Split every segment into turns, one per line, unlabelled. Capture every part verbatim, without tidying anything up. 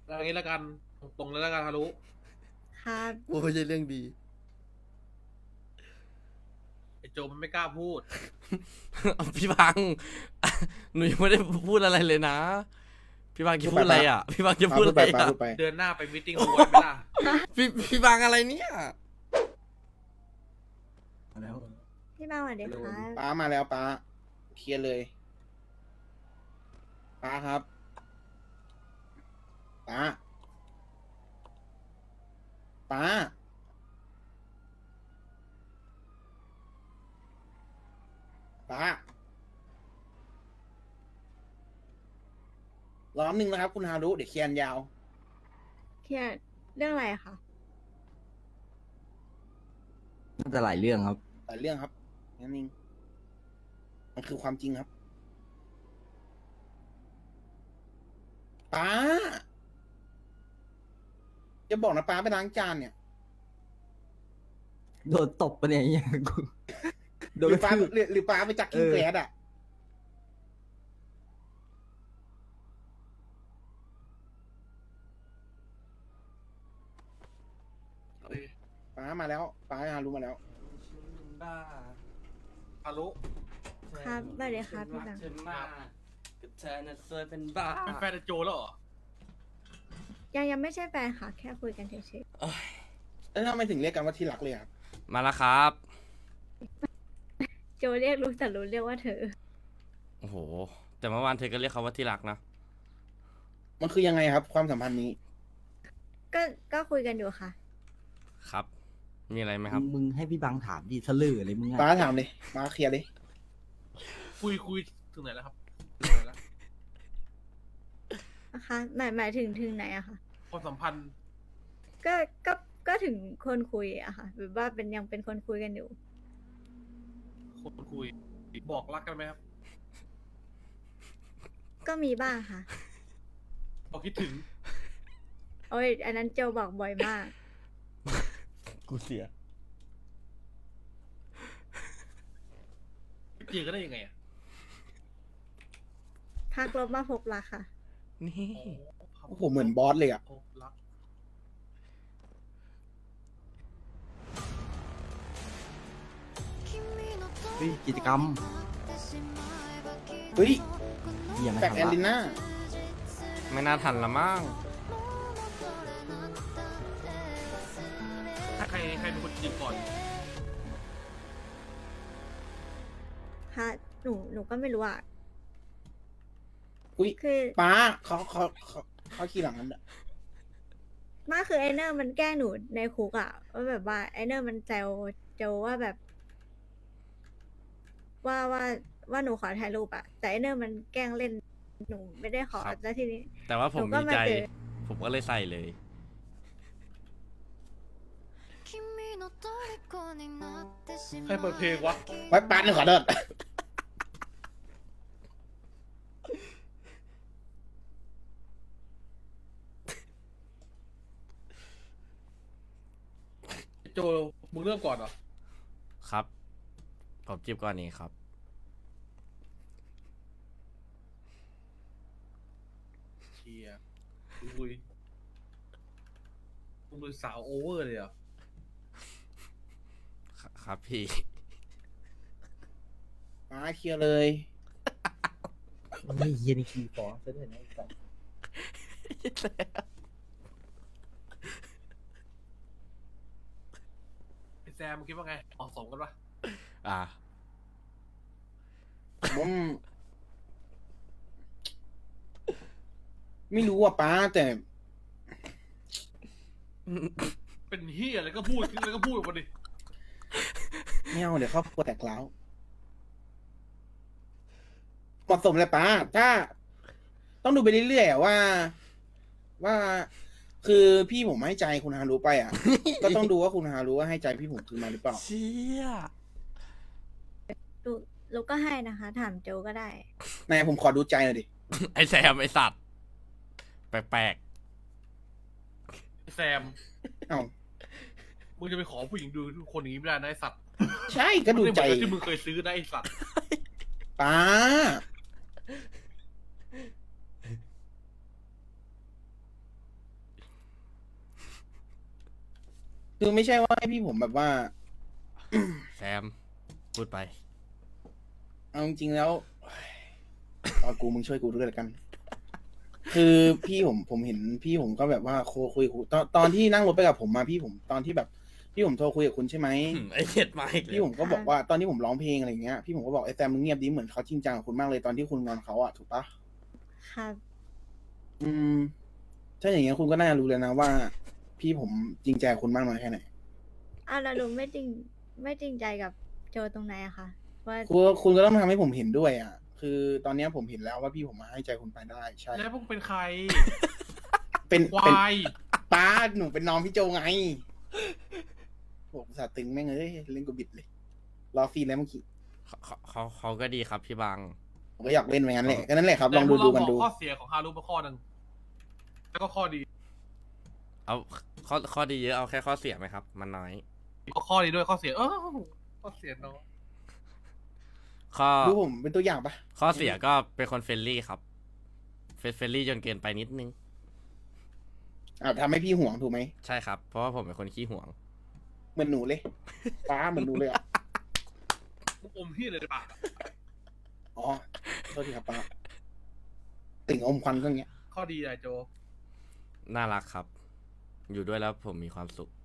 อะไรงี้แล้วกันตรงๆเลยแล้วกันฮารุ
ครับ
กูไม่ใช่เรื่องดี
ไอโจมันไม่กล้าพูด
พี่บัง หนูยังไม่ได้พูดอะไรเลยนะ พี่บังจะพูดอะไรอ่ะ พี่บังจะพูดอะไร
ปา
อ่ะ
พูดไป
เดือนหน้าไปมิทติ้งรวยไหมล่ะ
พี่พี่บังอะไรเนี่ย
พี่มาสวัสดีครับ
ป้ามาแล้วป้าเคลียร์เลยป้าครับป้าป้าป้าล้อมหนึ่งนะครับ คุณฮารุเดี๋ยวเคลียร์ยาว
เครียดเรื่องอะไรอะคะ
น่าจะหลายเรื่องครับ
แต่เรื่องครับนั่นเองมันคือความจริงครับป้าจะบอกนะป้าไปล้างจานเนี่ย
โดนตบปะเนี่ยไอ้เหี้ยกู
ห
โด
รื
น
อป้า
ทืบ
หรือหรือป้าไปจักกิ้ง
เออ
แกลดอ่ะ ป้ามาแล้วป้าฮารุมาแล้ว
ฮารุ
ครับสวัสดีครับพี่บัง
ฉันมากกับเธอน่ะสวยเป็นบ้า
เป็นแฟนไอโจแล้วเหรอ
ยังยังไม่ใช่แฟนค่ะ แค่คุยกันเฉย
แล้วทำไมถึงเรียกกันว่าที่รักเลยครับ
มาแล้วครับ
ๆโจเรียกรู้แต่รู้เรียกว่าเธอ
โอ้โห แต่เมื่อวานเธอก็เรียกเขาว่าที่รักนะ
มันคือยังไงครับ ความสัมพันธ์นี้
ก็ก็คุยกันอยู่ค่ะ
ครับ มีอะไรไหมครับ
มึงให้พี่บังถามดิทะลึ่งอะไรมึง
ป้า
อะ
ถามเลยป้าเคลียร์เลย
คุยคุยถึงไหนแล้วครับถึงไหนแล้ว
นะคะหมายหมายถึงถึงไหนอะคะ
ความสัมพันธ์
ก็ก็ก็ถึงคนคุยอะค่ะแบบว่าเป็นยังเป็นคนคุยกันอยู่
คนคุยบอกรักกันไหมครับ
ก็มีบ้างค่ะ
บอกคิดถึง
โอ้ยอันนั้นโจบอกบ่อยมาก
กูเสีย
เจอกันได้ยังไงอ่ะ
พักลบมาพบรักค่ะ
นี่
โอ้โหเหมือนบอสเลยอ่ะ
พบรัก
เฮ้ยกิจกรรม
เฮ้ย
เหี้ยไม่
แบก
ทำ
แอนลิ
ละ
น่า
ไม่น่าทันละมั้ง
ถ้าใครใครเป็นคนจีบก่อน
ฮะ หนูหนูก็ไม่รู้อะ
อุ้ย
คือ
ป้าเขาเขาเขาเขาขี่หลังนั้นอะ
ไมาคือไอเนอร์มันแกล้งหนูในคุกอะว่าแบบว่าไอเนอร์มันแซวโจว่าแบบ ว่าว่าว่าหนูขอถ่ายรูปอะแต่ไอเนอร์มันแกล้งเล่นหนูไม่ได้ขอ
ครับ
แล้วทีนี้
แต่ว่าผม
หนูก็
มี
มา
ใจ
เจอ
ผมก็เลยใส่เลย
ใครเปิดเพลงวะ
ไว้ป้าหนึ่งขอโทษ
ไอโจมึงเริ่มก่อนเหรอ
ครับ ผมจีบก่อนนี้ครับ
เชียร์คุยมึงดูสาวโอเวอร์เลยเหรอ
ครับพี่
ป้าเคลียร์เลย
นี่เฮียนี่ขี้ฟ้องซะด้วยนะไอ้สัส
ไอแซมมึงคิดว่าไงเหมาะสมกันปะ
อ่า
ผมไม่รู้อ่ะป้าแต่
เป็นเฮียอะไรก็พูดอะไรก็พูดออกมาดิ
ไม่เอาเดี๋ยวครอบครัวแตกร้าวเหมาะสมเลยป้า ถ้า ต้องดูไปเรื่อยๆอะว่า ว่า คือพี่ผมให้ใจคุณฮารุไปอ่ะ ก็ต้องดูว่าคุณฮารุว่าให้ใจพี่ผมคืนมาหรือเปล่า
เชี่ย
ลูกลูกก็ให้นะคะ ถามโจก็ได้
ไหนผมขอดูใจหน่อยดิ
ไอแซมไอสัตว์ แปลก
ไอแซม
เอ้า
มึงจะไปขอผู้หญิงดูคนอย่างนี้ไม่ได้นะไอสัตว์
ใช่ก็ดู
ไม่เห
ใจ
มือนกับที่มึงเคยซื้อนะไอสัตว์
ป้า
ๆ
คือไม่ใช่ว่าให้พี่ผมแบบว่า
แซมพูดไป
เอาจริงๆแล้วเอากูมึงช่วยกูด้วยละกัน คือพี่ผมผมเห็นพี่ผมก็แบบว่าโคคุยคุยตอนตอนที่นั่งรถไปกับผมมาพี่ผมตอนที่แบบ พี่ผมโทรคุยกับคุณใช่ไหม
ไอเห็ดมาอีกแล้ว
พี่ผมก็บอกว่าตอนที่ผมร้องเพลงอะไรเงี้ยพี่ผมก็บอกไอ้แซมมึงเงียบดิเหมือนเขาจริงจังกับคุณมากเลยตอนที่คุณงอนเขาอะถูกปะ
ครับ
อืม ถ้าอย่างเงี้ยคุณก็น่าจะรู้เลยนะว่า พี่ผมจริงใจกับคุณมากน้อยแค่ไหน
อ้าวแล้วหนูไม่จริงไม่จริงใจกับโจตรงไหนอะคะว่า
คุณคุณก็ต้องทำให้ผมเห็นด้วยอ่ะ คือตอนเนี้ยผมเห็นแล้วว่าพี่ผมมาให้ใจคุณไปได้ใช่
แล้วพวกเป็นใคร
เป็น
คว
เป็น
าย
ป้าหนูเป็นน้องพี่โจไงโอ้สาตึงแม่งเลยเล่นกูบิดเลย รอฟรีแล้วเมื่อกี้
เขาเขาเขาเขาก็ดีครับพี่บัง
ผมก็อยากเล่นไปงั้นแหละก็นั่นแหละครับลองดูดูกันดู
แต่พวกเราบอกข้อเสียของฮารุมาข้อหนึ่งแล้วก็ข้อดี
เอาข้อข้อดีเยอะเอาแค่ข้อเสียไหมครับ มันน้อย
ก็ข้อดีด้วยข้อเสียเออข้อเสียเนาะ
ข้อ
ดูผมเป็นตัวอย่างปะ
ข้อเสียก็เป็นคนเฟรนลี่ครับเฟรเฟรนลี่จนเกินไปนิดนึง
อ่าทำให้พี่ห่วงถูกไหม
ใช่ครับ เพราะว่าผมเป็นคนขี้ห่วง
เหมือนหนูเลยป้าเหมือนหนูเลยอ่ะ
มุกอมที่เลยในปากอะ
อ๋อโทษทีครับป้าติ่งอมควันก็อย่างเงี้ย
ข้อดีอะไรโจ
น่ารักครับ อยู่ด้วยแล้วผมมีความสุข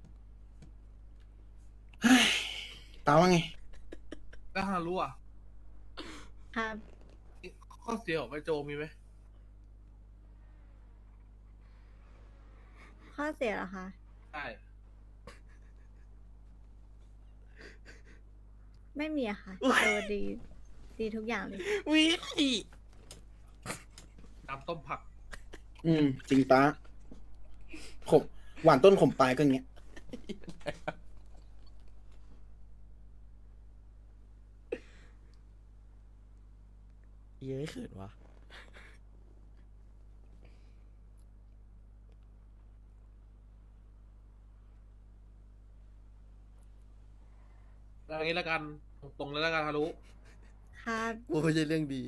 ป้าว่าไง
แล้วฮารุอ่ะ
ครับ
ข้อเสียของไอโจมีไหม
ข้อเสียเหรอคะ
ใช่
ไม่มีอะค่ะโจดี ดีทุกอย่างเลย
วิ
น้ำต้มผัก
อืม จริงป้าขมหวานต้นขมปลายก็อย่างเงี้ย
เย้ยเขินวะ
แล้วอย่างนี้แล้วกันตรงๆเลยแล้วกันฮารุ
ครับ
โอ้ไม่ใช่เรื่องดี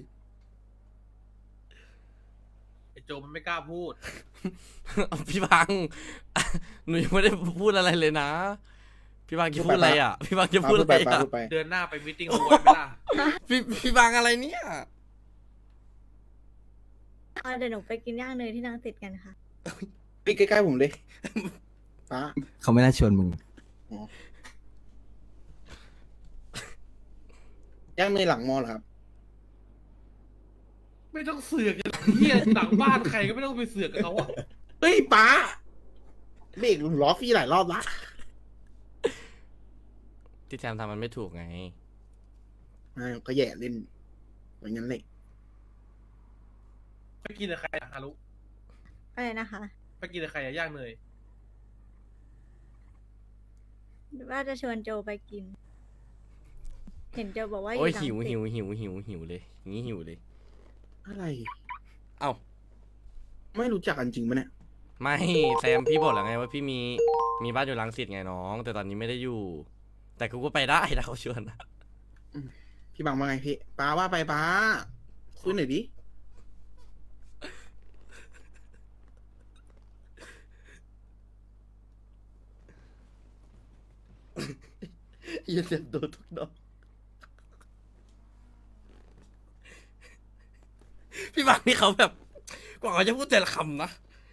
ไอโจมันไม่กล้าพูด
พี่บัง หนูยังไม่ได้พูดอะไรเลยนะ พี่บังจะพูดอะไรอ่ะ พี่บังจะ
ป้า
พูด
พู
อะ
ดไป
ไร
ป้า
อ่ะ
พูดไป
เดือนหน้าไปมิทติ้งรวยไหมล่ะ
พี่พี่บังอะไรเนี่ย
เอาเดี๋ยวหนูไปกินย่างเนยที่นังติดกันค่ะ
พี่ใกล้ๆผมเลยป้า
เขาไม่น่าชวนมึง
ย่างเนยหลังมอเหรอครับ
ไม่ต้องเสือกกันเฮียหลังบ้านใครก็ไม่ต้องไปเสือกกับเขาอ่ะ
เฮ้ยป้าเบรกล้อฟรีหลายรอบละ
ที่แซมทำมันไม่ถูกไง
อ่าก็แย่เล่นอย่างนั้นเลย
ไปกินกับใครอะฮารุ
อะไรนะคะ
ไปกินกับใครอะย่างเนย
ว่าจะชวนโจไปกิน เห็นโจบอกว่าอ
โอ้ย
ยู่หลัง
หิว
ติด
หิวหิวหิวหิวเลยอย่างนี้หิวเลย
อะไร
เอ้า
ไม่รู้จักกันจริงปะเนี่ย
ไม่แซมพี่บอกแล้วไงว่าพี่มีมีบ้านอยู่รังสิตไงน้อง แต่ตอนนี้ไม่ได้อยู่ แต่กูก็ไปได้ถ้าเขาชวนนะ
พี่บังว่าไงพี่ป้าว่าไปป้าคุยหน่อยดิ
อย่าเสียบโดนทุกดอกพี่บังนี่เขาแบบกว่าเขาจะพูดแต่ละคำนะ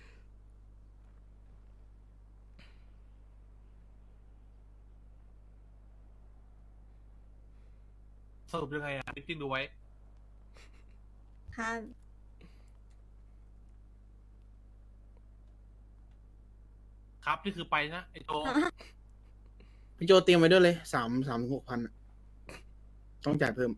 สรุปยังไงอะมิทติ้งดูไว้
ครับ
ครับนี่คือไปนะไอโจ
พี่โจเตรียมไว้ด้วยเลยสามสามถึงหกพันอะต้องจ่ายเพิ่ม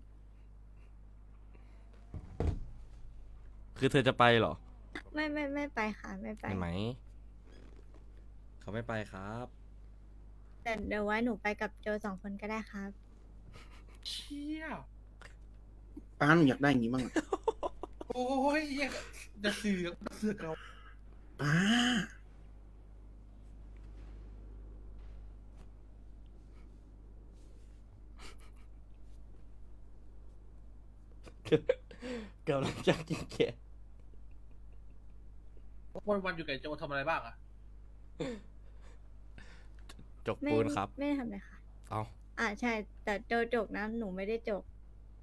คือเธอจะไปเหรอ
ไม่ไม่ไม่ไปค่ะ ไม่ไป
เห็นไหม เขาไม่ไปครับ
แต่เดี๋ยวไว้หนูไปกับโจสองคนก็ได้ครับ
เชี่ย
ป้าหนูอยากได้อย่างนี้บ้างอะ
โอ้ยอย่าอย่าเสือกอย่าเสือกเรา
ป้า
กำลังจะกินแกะ
วันวันๆอยู่กับไอ้โจทำอะไรบ้างอะ
จก
ไม่
ปูนครับ
ไม่ได้ทำอะไรค่ะ
เอา
อ่าใช่ แต่โจจกนะหนูไม่ได้จก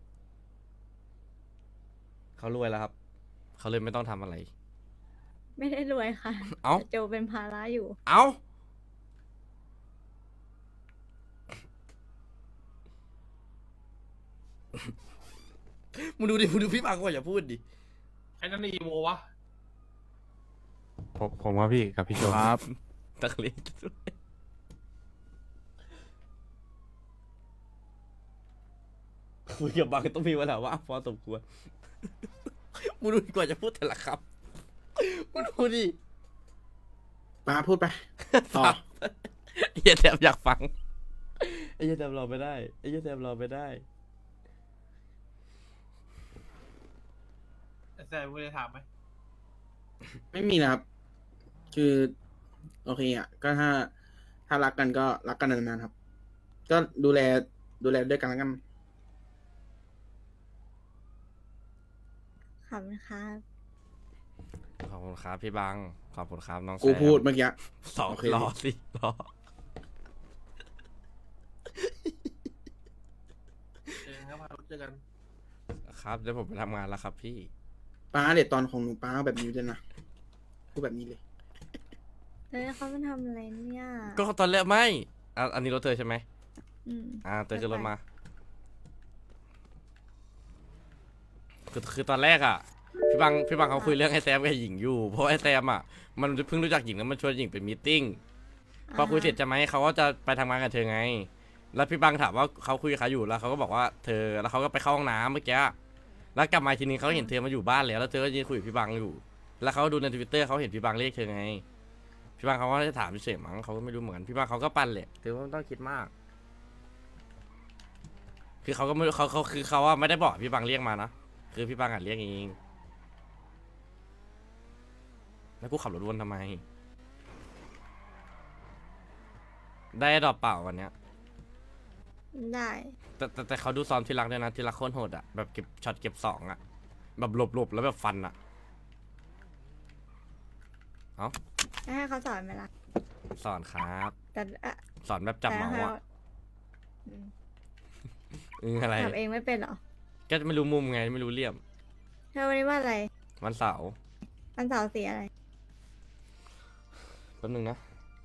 เขารวยแล้วครับ เขาเลยไม่ต้องทำอะไร
ไม่ได้รวยค่ะ
เอ้า
แต่โจเป็นภาระอยู่
เอามึงดูดิมึงดูพี่ปังก่อนอย่าพูดดิ
ไอ้นั่นอีโววะ
ผมผมครับพี่กับพี่โจ
ครับ
ตักเล็กคุยกับบางต้องมีเวลาว่างพอสมควรมึงดูดีกว่าจะพูดแต่ละคำมึงดูดิ
ป้าพูดไป ต่อ
ไอ้เหี้ยแทบอยากฟังไอ้เหี้ยแทบรอไม่ได้ไอ้เหี้ยแทบรอไม่ได้
ไอ้แซมไม่ได้ถามไหม
ไม่มีนะครับ คือ โอเคอ่ะ ก็ถ้า ถ้ารักกันก็รักกันนานๆครับ ก็ดูแล ดูแลด้วยกันแล้วกัน
ขอบคุณครับ
ขอบคุณครับพี่บังขอบคุณครับน้องแซม
กูพูดเมื่อกี้
สอง
โอเค
รอสิรอ
เจอกันครับเจอกัน
ครับเดี๋ยวผมไปทำงานแล้วครับพี่
ป้าเด็ดตอนของหนูป้าแบบนี้เลยนะ พูดแบบนี้เลย
เฮ้ยเขามาทำอะไรเนี่ย
ก็ตอนแรกไม่อ่ะอันนี้รถเธอใช่ไหม
อืม
อ่าเธอขึ้นรถมา คือคือตอนแรกอ่ะ พี่บังพี่บังเขาคุยเรื่องไอ้แซมกับหญิงอยู่ เพราะไอ้แซมอ่ะ มันเพิ่งรู้จักหญิงแล้วมันชวนหญิงไปมีตติ้ง พอคุยเสร็จจะไหมเขาก็จะไปทำงานกับเธอไง แล้วพี่บังถามว่าเขาคุยกับใครอยู่แล้วเขาก็บอกว่าเธอ แล้วเขาก็ไปเข้าห้องน้ำเมื่อกี้ แล้วกลับมาทีนึงเขาเห็นเธอมาอยู่บ้านแล้วแล้วเธอก็ยืนคุยกับพี่บังอยู่ แล้วเขาดูในทวิตเตอร์เขาเห็นพี่บังเรียกเธอไง พี่บังเขาก็จะถามเฉยๆมั้งเขาก็ไม่รู้เหมือนกันพี่บังเขาก็ปั่นแหละเธอไม่ต้องคิดมาก คือเขาก็ไม่เขาเขาคือเขาว่าไม่ได้บอกพี่บังเรียกมานะ คือพี่บังอ่ะเรียกเอง แล้วกูขับรถวนทำไม ได้ดอกเปล่าวันเนี้ย
ได้
แต่แต่แต่เขาดูซ้อมที่รักด้วยนะที่รักโคตรโหดอ่ะแบบเก็บช็อตเก็บสองอ่ะ แบบหลบหลบแล้วแบบฟันอ่ะ เอ้า
ให้เขาสอนไหมล่ะ
สอนครับ
แต่อะ
สอนแบบจับเมาส์
แต่
อ่ะ
ให้อืม
อืออะไร
จับเองไม่เป็นเหรอ
ก็ไม่รู้มุมไงไม่รู้เหลี่ยม
เธอวันนี้ว่าอะไร
วันเสาร์
วันเสาร์สีอะไร
แป๊บนึงนะ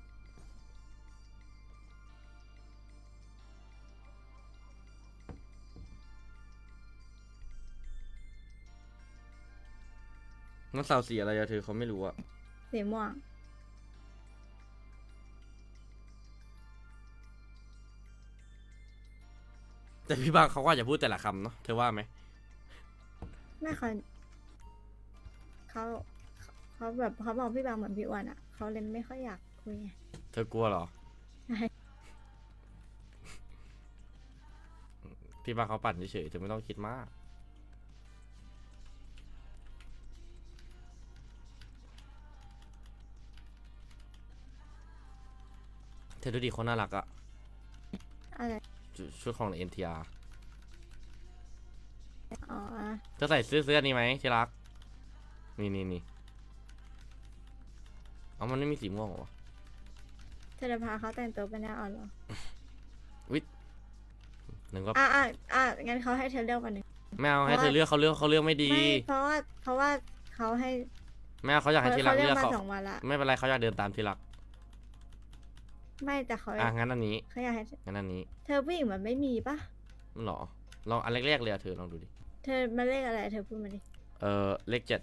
วันเสาร์สีอะไรอะเธอเขาไม่รู้อะ
สีม่วง
แต่พี่บางเขาก็อาจจะพูดแต่ละคำเนาะเธอว่าไหม
ไม่เขาเขาเขาแบบเขาบอกพี่บางเหมือนพี่อ้วนอ่ะเขาเลยไม่ค่อยอยากคุยไง
เธอกลัวเหรอ
ใช่
พี่บางเขาปั่นเฉยๆเธอไม่ต้องคิดมาก เธอดูดิคนน่ารักอะ
อะไร
ชุดชุดของ เอ็น ที อาร์
อ๋อ
เธอใส่เสื้อเสื้อนี้ไหมที่รัก นี่นี่นี่เอามันไม่มีสีม่วงเหรอวะ
เธอจะพาเขาแต่งตัวเป็นแนวอ่อนเหรอ
วิหนึ่งก็
อ่ะอ่ะอ่ะงั้นเขาให้เธอเลือกวันหนึ่ง
ไม่เอาให้เธอเลือกเขาเลือกเขาเลือกไม่ดี
ไม่เพราะว่าเพราะว่าเขาให้
ไม่เอาเขาอยากให้ที่รั
เขา
ก
เลื
เลื
อ
อก ก
มา
เขา
สองวันละ
ไม่เป็นไรเขาอยากเดินตามที่รัก
ไม่แต่เขา
อ่ะงั้นอันนี้
เขาอยากให้
งั้นอันนี้
เธอผู้หญิงมันไม่มีปะ
หรอลองอันแรกๆเลยอะเธอลองดูดิ
เธอมาเลขอะไร เธอพูดมาดิ
เออเลขเจ็ด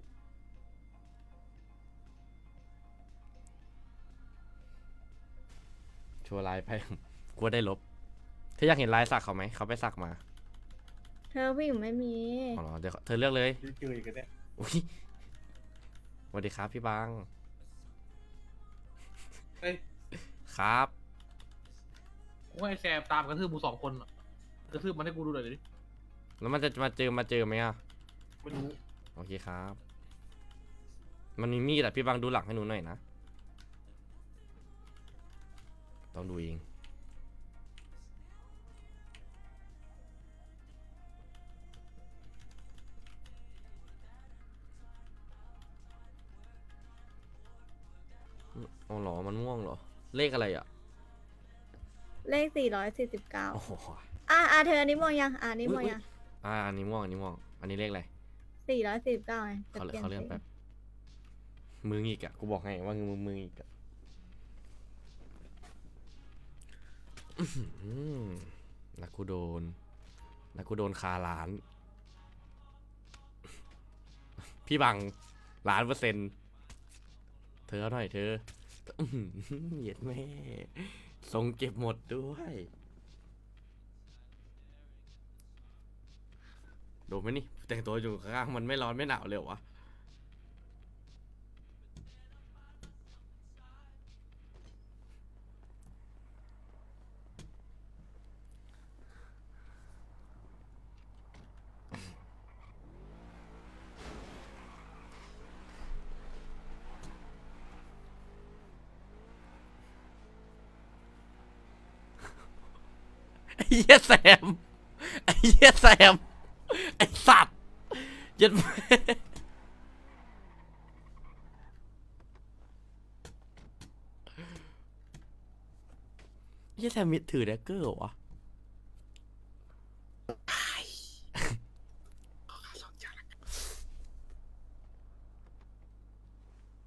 ชัวร์ลายไป กลัวได้ลบ เธออยากเห็นลายสักเขาไหม เขาไปสักมา
เธอผู้หญิงไม่มี
อ๋อเหรอเดี๋ยวเธอเลือกเลย
เจออีกแล้วเนี่ย
อุ้ยสวัสดีครับพี่บาง
เอ้ย
ครับ
กูให้แซมตามกระทืบกูสองคนอะกระทืบมันให้กูดูหน่อยดิ
แล้วมันจะมาเจอมาเจอไหมอ่ะ
ไม่รู้
โอเคครับ มันมีมีดอะพี่บางดูหลังให้หนูหน่อยนะ ต้องดูเองอ๋อเหรอ มันม่วงเหรอ เลขอะไรอ่ะ
เลขสี่ร้อยสี่สิบเก้า
โอ้โห
อ่ะอ่ะเธออันนี้มองยังอ่ะอันนี้มอง
อุ๊ย
ยัง
อ่าอันนี้ม่วงอันนี้ม่วงอันนี้เลขอะไร
สี่ร้อยสี่สิบเก้าไงจะ
เขา
เปลี่ยน
เขาเลื่อน
สี
แป๊บมึงอีกอะกูบอกให้ว่ามึงมึงอีกอะอื้อหือแล้วกูโดนแล้วกูโดนคาล้าน พี่บังล้านเปอร์เซ็นต์เธอเอาหน่อยเธออื้อหือเหยียดแม่ทรงเก็บหมดด้วยโดนไหมนี่แต่งตัวอยู่ข้างๆมันไม่ร้อนไม่หนาวเลยเหรอวะ ไอ้เหี้ยแซมไอ้เหี้ยแซมไอ้สัตว์ยัดแม่เหี้ยแซมมิดถือแดกเกอร์เหรอวะ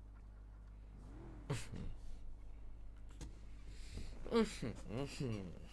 อื้อหือ